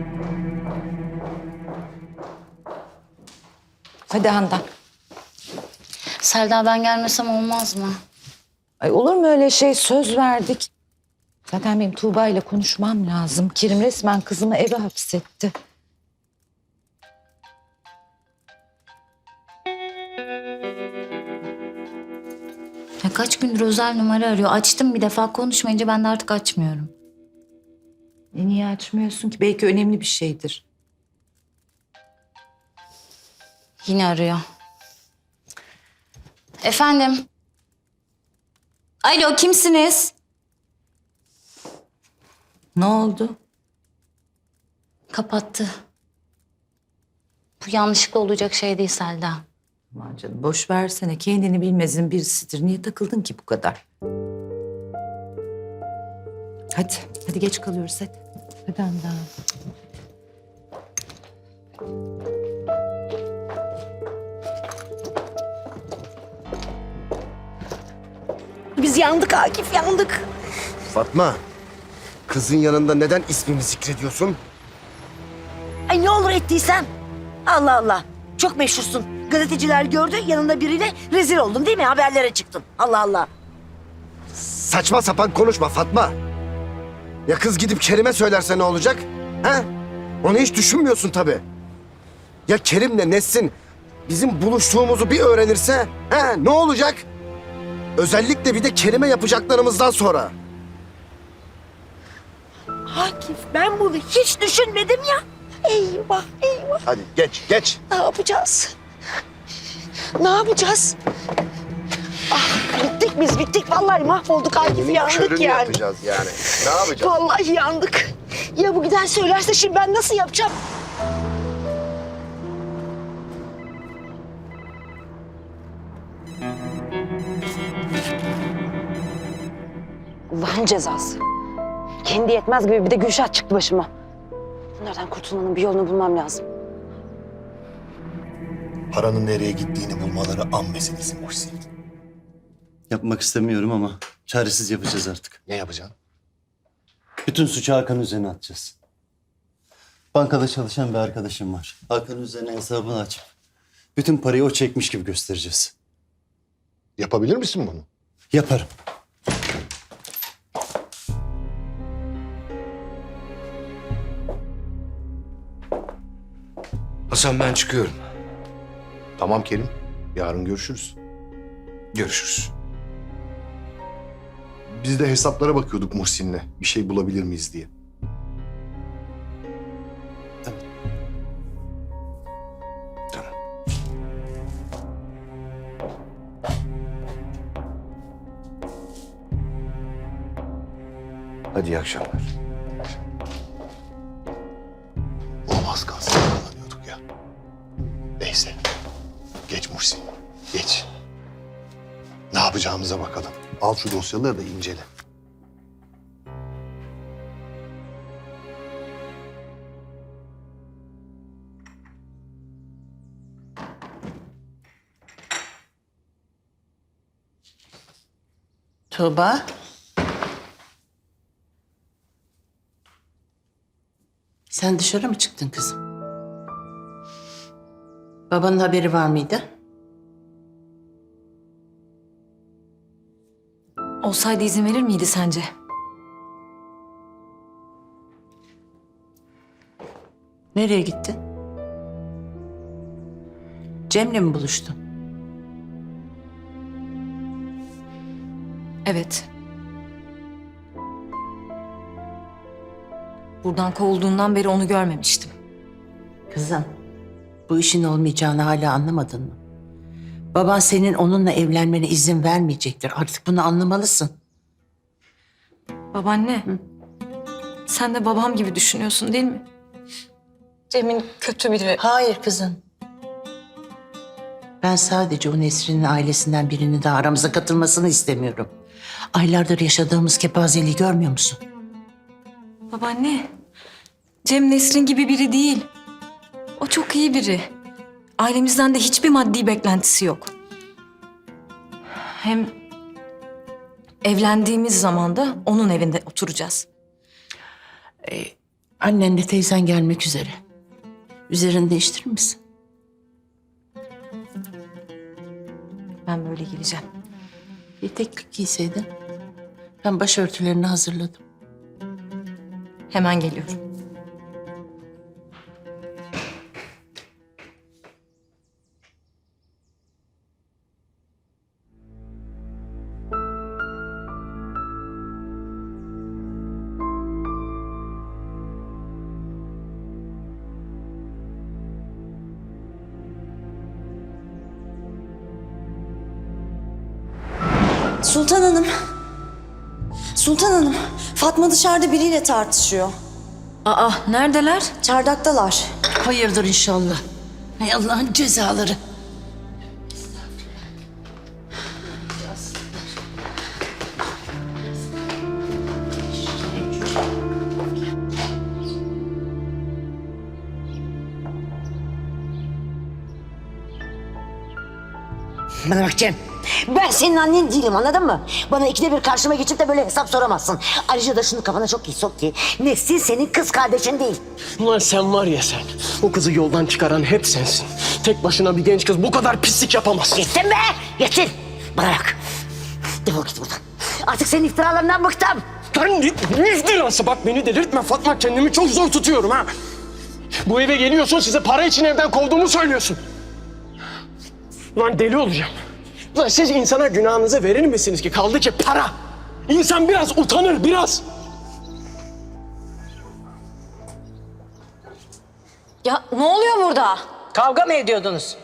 Hadi Handan. Selda ben gelmesem olmaz mı? Ay olur mu öyle şey? Söz verdik. Zaten benim Tuğba ile konuşmam lazım. Kerim resmen kızımı eve hapsetti. Ya kaç gündür özel numara arıyor. Açtım bir defa, konuşmayınca ben de artık açmıyorum. Niye açmıyorsun ki? Belki önemli bir şeydir. Yine arıyor. Efendim? Alo, kimsiniz? Ne oldu? Kapattı. Bu yanlışlıkla olacak şey değil Selda. Aman canım boş versene. Kendini bilmezin birisidir. Niye takıldın ki bu kadar? Hadi. Hadi geç kalıyoruz hadi. Hadi Handan. Biz yandık Akif, yandık. Fatma, kızın yanında neden ismimi zikrediyorsun? Ay ne olur ettiysem. Allah Allah. Çok meşhursun. Gazeteciler gördü, yanında biriyle rezil oldun değil mi? Haberlere çıktın. Allah Allah. Saçma sapan konuşma Fatma. Ya kız gidip Kerim'e söylerse ne olacak? Ha? Onu hiç düşünmüyorsun tabii. Ya Kerim'le Nesrin bizim buluştuğumuzu bir öğrenirse ne olacak? Özellikle bir de Kerim'e yapacaklarımızdan sonra. Akif, ben bunu hiç düşünmedim ya. Eyvah, eyvah. Hadi geç. Ne yapacağız? Ne yapacağız? Ah, bittik biz, bittik. Vallahi mahvolduk Akif, yandık Körünü yani. yapacağız yani. Ne yapacağız? Vallahi yandık. Ya bu giden söylerse şimdi ben nasıl yapacağım? Allah'ın cezası. Kendi yetmez gibi bir de Gülşah çıktı başıma. Bunlardan kurtulmanın bir yolunu bulmam lazım. Paranın nereye gittiğini bulmaları an meselesi Muhsin. Yapmak istemiyorum ama çaresiz yapacağız artık. Ne yapacaksın? Bütün suçu Hakan üzerine atacağız. Bankada çalışan bir arkadaşım var. Hakan üzerine hesabını açıp bütün parayı o çekmiş gibi göstereceğiz. Yapabilir misin bunu? Yaparım. Hasan ben çıkıyorum. Tamam Kerim. Yarın görüşürüz. Görüşürüz. Biz de hesaplara bakıyorduk Muhsin'le. Bir şey bulabilir miyiz diye. Tamam. Hadi iyi akşamlar. Olmaz kalsın yakalanıyorduk ya. Neyse. Geç Muhsin. Geç. Ne yapacağımıza bakalım. Al şu dosyaları da incele. Tuğba. Sen dışarı mı çıktın kızım? Babanın haberi var mıydı? Olsaydı izin verir miydi sence? Nereye gittin? Cem'le mi buluştun? Evet. Buradan kovulduğundan beri onu görmemiştim. Kızım, bu işin olmayacağını hala anlamadın mı? Baban senin onunla evlenmene izin vermeyecektir. Artık bunu anlamalısın. Babaanne, sen de babam gibi düşünüyorsun değil mi? Cem'in kötü biri. Hayır kızım. Ben sadece o Nesrin'in ailesinden birinin de aramıza katılmasını istemiyorum. Aylardır yaşadığımız kepazeliği görmüyor musun? Babaanne, Cem Nesrin gibi biri değil. O çok iyi biri. Ailemizden de hiçbir maddi beklentisi yok. Hem evlendiğimiz zaman da onun evinde oturacağız. Annenle teyzen gelmek üzere. Üzerini değiştirir misin? Ben böyle geleceğim. Etek giyseydin. Ben başörtülerini hazırladım. Hemen geliyorum. Sultan Hanım. Sultan Hanım, Fatma dışarıda biriyle tartışıyor. Aa, neredeler? Çardaktalar. Hayırdır inşallah. Hay Allah'ın cezaları. Bana bak Cem. Ben senin annen değilim, anladın mı? Bana ikide bir karşıma geçip de böyle hesap soramazsın. Ayrıca da şunu kafana çok iyi sok ki Nesrin senin kız kardeşin değil. Ulan sen var ya sen. O kızı yoldan çıkaran hep sensin. Tek başına bir genç kız bu kadar pislik yapamazsın. Yetin be! Yetin! Bana bak. Defol git buradan. Artık senin iftiralarından bıktım. Lan ne iftirası? Bak beni delirtme Fatma. Kendimi çok zor tutuyorum ha. Bu eve geliyorsun, size para için evden kovduğumu söylüyorsun. Lan deli olacağım. Lan siz insana günahınızı verir misiniz ki? Kaldı ki para. İnsan biraz utanır, biraz. Ya ne oluyor burada? Kavga mı ediyordunuz?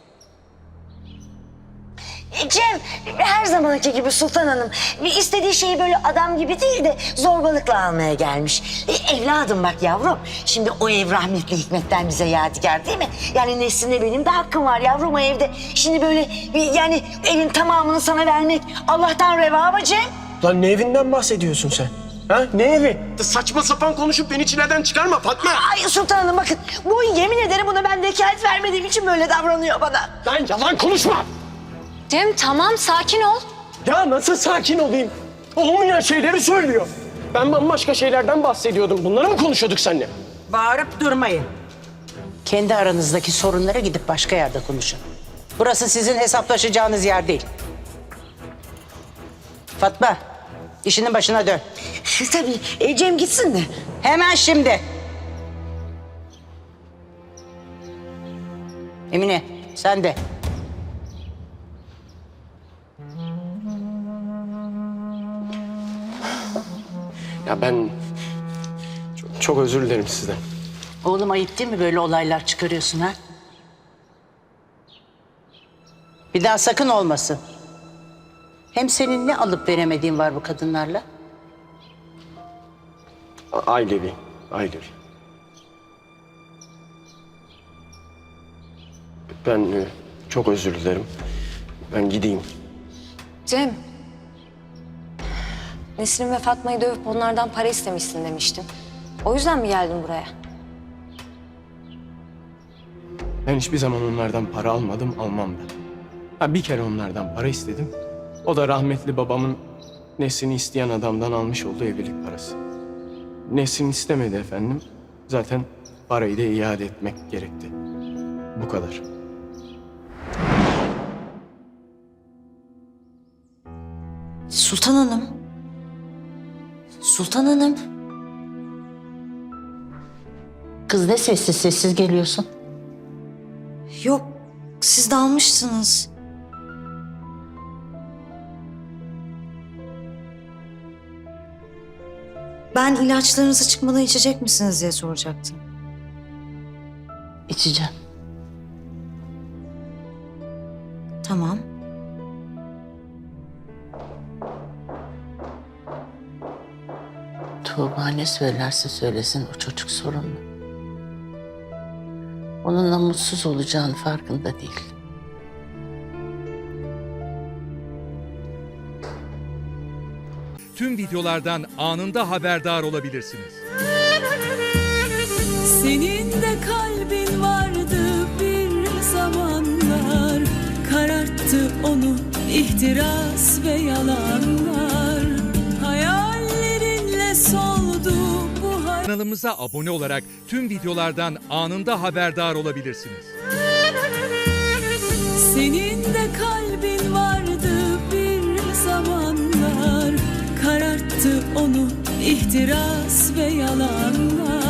Cem her zamanki gibi Sultan Hanım istediği şeyi böyle adam gibi değil de zorbalıkla almaya gelmiş. Evladım bak yavrum, şimdi o ev rahmetli Hikmet'ten bize yadigar değil mi? Yani Nesrin'e benim de hakkım var yavrum o evde. Şimdi böyle yani evin tamamını sana vermek Allah'tan reva mı Cem? Lan ne evinden bahsediyorsun sen? Ha? Ne evi? Saçma sapan konuşup beni çileden çıkarma Fatma. Ay Sultan Hanım bakın, bu yemin ederim buna ben vekalet vermediğim için böyle davranıyor bana. Lan yalan konuşma. Cem tamam sakin ol. Ya nasıl sakin olayım? Olmayan şeyleri söylüyor. Ben bambaşka şeylerden bahsediyordum. Bunları mı konuşuyorduk seninle? Bağırıp durmayın. Kendi aranızdaki sorunlara gidip başka yerde konuşun. Burası sizin hesaplaşacağınız yer değil. Fatma, işinin başına dön. Tabii Cem gitsin de. Hemen şimdi. Emine, sen de. Ya ben çok özür dilerim sizden. Oğlum ayıp değil mi böyle olaylar çıkarıyorsun ha? Bir daha sakın olmasın. Hem senin ne alıp veremediğin var bu kadınlarla? Ailevi. Ben çok özür dilerim. Ben gideyim. Cem. Nesrin ve Fatma'yı dövüp onlardan para istemişsin demiştin. O yüzden mi geldin buraya? Ben hiçbir zaman onlardan para almadım, almam da. Ha, bir kere onlardan para istedim. O da rahmetli babamın Nesrin'i isteyen adamdan almış olduğu evlilik parası. Nesrin istemedi efendim. Zaten parayı da iade etmek gerekti. Bu kadar. Sultan Hanım. Sultan Hanım. Kız ne sessiz sessiz geliyorsun? Yok, siz dalmışsınız. Ben ilaçlarınızı çıkmadan içecek misiniz diye soracaktım. İçeceğim. Tamam. Tuğba ne söylerse söylesin o çocuk sorunlu. Onunla mutsuz olacağını farkında değil. Tüm videolardan anında haberdar olabilirsiniz. Senin de kalbin vardı bir zamanlar, kararttı onu ihtiras ve yalanlar. Hayallerinle soldu bu hayat. Kanalımıza abone olarak tüm videolardan anında haberdar olabilirsiniz. Senin de kalbin vardı bir zamanlar, kararttı onu ihtiras ve yalanlar.